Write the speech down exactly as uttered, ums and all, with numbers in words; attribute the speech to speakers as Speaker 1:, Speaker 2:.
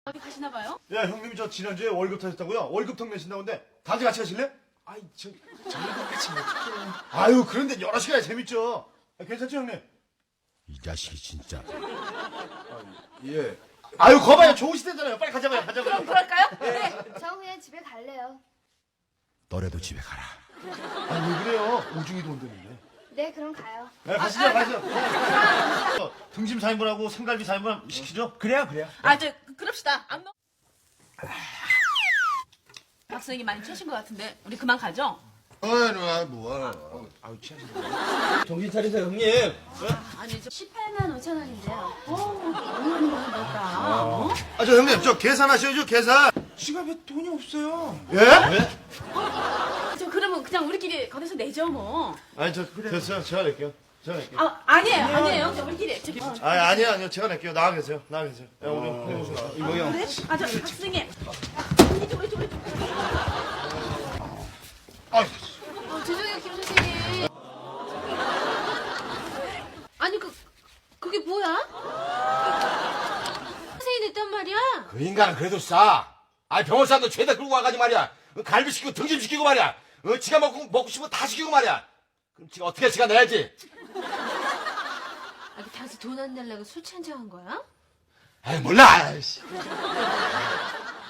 Speaker 1: 어디 가시나 봐요?
Speaker 2: 야, 형님이 저 지난주에 월급 타셨다고요? 월급통 내신다는데 다들 같이 가실래?
Speaker 3: 아이 저 저희가 같이 어떡해요.
Speaker 2: 아유, 그런데 여러 시간에 재밌죠. 아, 괜찮죠, 형님?
Speaker 4: 이 자식이 진짜.
Speaker 3: 예.
Speaker 2: 아유, 거봐요. 좋은 시대잖아요. 빨리 가자봐요. 가자봐요.
Speaker 1: 그럼 그럴까요? 네.
Speaker 5: 저 그냥 집에 갈래요.
Speaker 4: 너래도 집에 가라.
Speaker 2: 아, 왜 그래요? 오중이도 온다는데.
Speaker 5: 네, 그럼 가요.
Speaker 2: 네, 가시죠, 가시죠. 네. 등심 사 인분하고 생갈비 사 인분 시키죠?
Speaker 3: 그래요 그래요.
Speaker 1: 아, 저 그럽시다. 안 먹. 박선생님 많이 취하신 것 같은데 우리 그만 가죠?
Speaker 4: 어이, 누가 뭐야.
Speaker 3: 아우 취하신다. 정신 차리세요 형님.
Speaker 1: 아니 저 십팔만 오천 원인데요. 어, 너무 많이 받았다. 어?
Speaker 2: 아, 저 형님, 저 계산하셔야죠, 계산.
Speaker 3: 지갑에 돈이 없어요.
Speaker 2: 예? 왜?
Speaker 1: 저 그러면 그냥 우리끼리 거기서 내죠 뭐.
Speaker 2: 아니, 저 됐어요. 제가 낼게요. 제가 낼게요.
Speaker 1: 아, 아니에요, 아니에요. 저 우리끼리. 저, 어.
Speaker 2: 아, 아니요, 아니요. 제가 낼게요. 나가 계세요. 나가 계세요. 야, 오늘 해보세요.
Speaker 3: 이거 형.
Speaker 1: 그래? 아, 저 박선생님. 이쪽, 이쪽, 이쪽.
Speaker 2: 아,
Speaker 1: 어, 죄송해요, 김 선생님. 아니 그 그게 뭐야? 선생님 냈단 말이야?
Speaker 4: 그 인간은 그래도 싸. 아니, 병원 사람도 죄다 끌고 와가지고 말이야. 어, 갈비 시키고 등심 시키고 말이야. 어, 지가 먹고, 먹고 싶으면 다 시키고 말이야. 그럼 지가 어떻게 지가 내야지.
Speaker 1: 아, 당신 돈 안 내려고 술 취한 척한 거야?
Speaker 4: 에이, 몰라. 아이씨.